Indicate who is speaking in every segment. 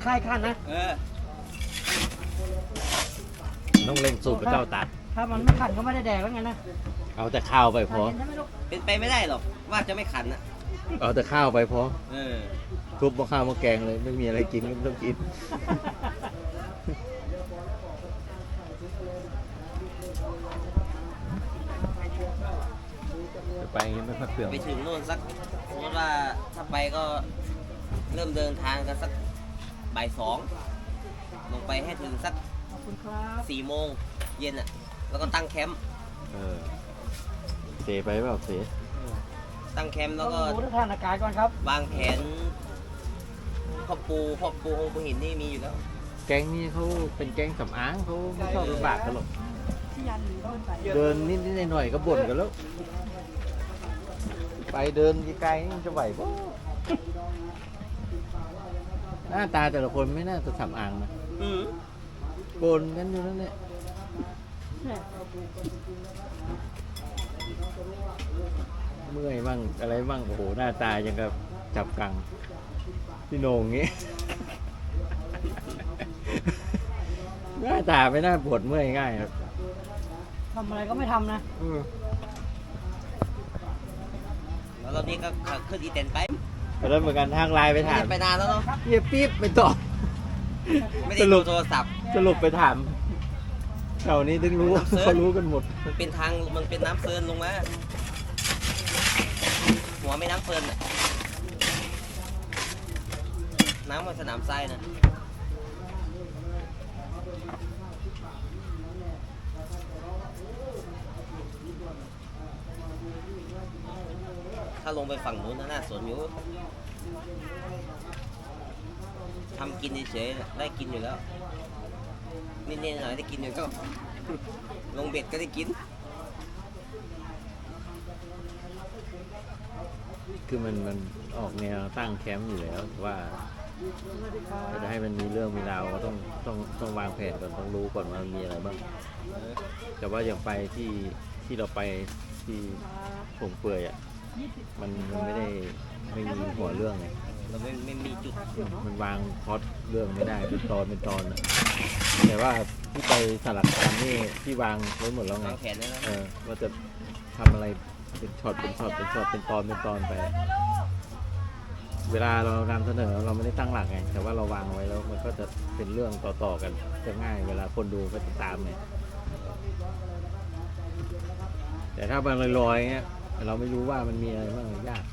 Speaker 1: ค่ายขั้นนะ
Speaker 2: ต้องเล่นสูตรพระเจ้าตัด
Speaker 1: ถ้ามันไม่ขันก็ไม่ได้แดกแล้วไงนะ
Speaker 2: เอาแต่ข้าวไปพอ
Speaker 3: เป็นไปไม่ได้หรอกว่าจะไม่ขันอ่ะ
Speaker 2: เอาแต่ข้าวไปพอทุบมาข้าวมาแกงเลยไม่มีอะไรกินก็ไม่ต้องกินจะไปอย่างนี้ไม่ค่อยเปลี่ยน
Speaker 3: ไปถึงโน่นสักสมมติว่าถ้าไปก็เริ่มเดินทางกันสักบ่าย2ลงไปให้ถึงสัก4 โมงเย็นอ่ะแล้วก็ตั้งแคมป์
Speaker 2: เสไปเปล่าเส
Speaker 3: ตั้งแคมป์แล้วก็
Speaker 1: ดูสถานการณ์ก่อนครับ
Speaker 3: วางแผนพ่อปูองค์ปูหินนี่มีอยู่แล้ว
Speaker 2: แก๊งนี้เขาเป็นแก๊งสำอางเขาไม่ชอบลำบากกันหรอกเดินนิดหน่อยก็บ่นกันแล้วไปเดินไกลๆจะไหวปะหน้าตาแต่ละคนไม่น่าจะสำอางนะโกนกันอยู่นั่นแหละเมื่อยบ้างอะไรบ้างโอ้โหหน้าตายังกับจับกังพี่โหน่งงี้หน้าตาไม่น่าปวดเมื่อยง่ายครับ
Speaker 1: ทำอะไรก็ไม่ทำนะ
Speaker 3: แล้วตอนนี้ก็ขึ้นอีเต็นไป
Speaker 2: แล้วเหมือนกันทางไลน์ไปถาม
Speaker 3: ไปนานแล้วเนาะ
Speaker 2: เฮียปี๊บไปตอบ
Speaker 3: ไม่ได้ดูโทรศัพท์
Speaker 2: สรุปไปถามแถวนี้ถึงรู้เขารู้กันหมด
Speaker 3: มันเป็นทางมันเป็นน้ำเฟิร์นลงมาหัวไม่น้ำเฟิร์นน้ำมันสนามทรายนะถ้าลงไปฝั่งนู้นน่าสนอยู่ทำกินเฉยๆได้กินอยู่แล้วนิดๆหน่อยได้กินอยู่ก็ลงเบ็ดก็ได้กิน
Speaker 2: คือมันออกแนวตั้งแคมป์อยู่แล้วว่าจะให้มันมีเรื่องมีราวก็ต้องวางแผนก่อนต้องรู้ก่อนว่ามันมีอะไรบ้างแต่ว่าอย่างไปที่เราไปที่ผงเปื่อยอ่ะมันไม่มีหัวเรื่องไง
Speaker 3: เราไม่มีจุด
Speaker 2: มันวางพล็อตเรื่องไม่ได้เป็นตอนนะแต่ว่าที่ไปสลัดคำนี่ที่วางไว้หมดแล้วไงว่าจะทำอะไรเป็นช็อตเป็นตอนไปเวลาเรานำเสนอเราไม่ได้ตั้งหลักไงแต่ว่าเราวางไว้แล้วมันก็จะเป็นเรื่องต่อกันจะง่ายเวลาคนดูก็จะตามไงแต่ถ้ามันลอยๆเงี้ยเราไม่รู้ว่ามันมีอะไรบ้างยาก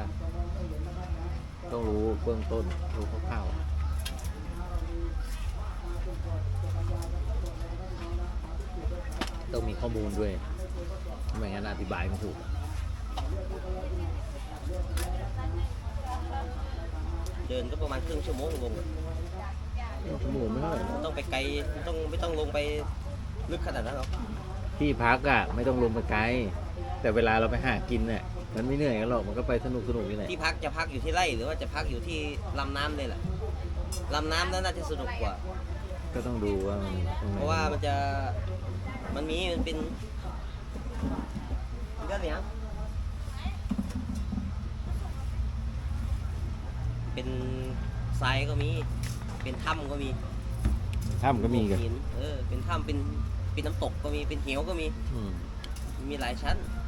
Speaker 2: ต้องรู้เบื้องต้นรู้คร่าวๆต้องมีข้อมูลด้วยไม่งั้นอธิบายไม่ถูก
Speaker 3: เดินก็ประมาณครึ่งชั่วโมงลง
Speaker 2: ชั่วโมงไม่เท่าไหร่
Speaker 3: ต้องไปไกลไม่ต้องลงไปลึกขนาดนั้นหรอก
Speaker 2: ที่พักอ่ะไม่ต้องลงไปไกลแต่เวลาเราไปหากินเนี่ยมันไม่เหนื่อยกันหรอกมันก็ไปสนุกนี่แหละ
Speaker 3: ที่พักจะพักอยู่ที่ไร่หรือว่าจะพักอยู่ที่ลำน้ำเลยแหละลำน้ำนั้นน่าจะสนุกกว่า
Speaker 2: ก็ต้องดูว่ามัน
Speaker 3: เพราะว่ามันเป็นก็เนี่ยเป็นทรายก็มีเป็นถ้ำก็มี
Speaker 2: กัน
Speaker 3: เป็นถ้ำเป็นน้ำตกก็มีเป็นเหวก็มีหลายชั้น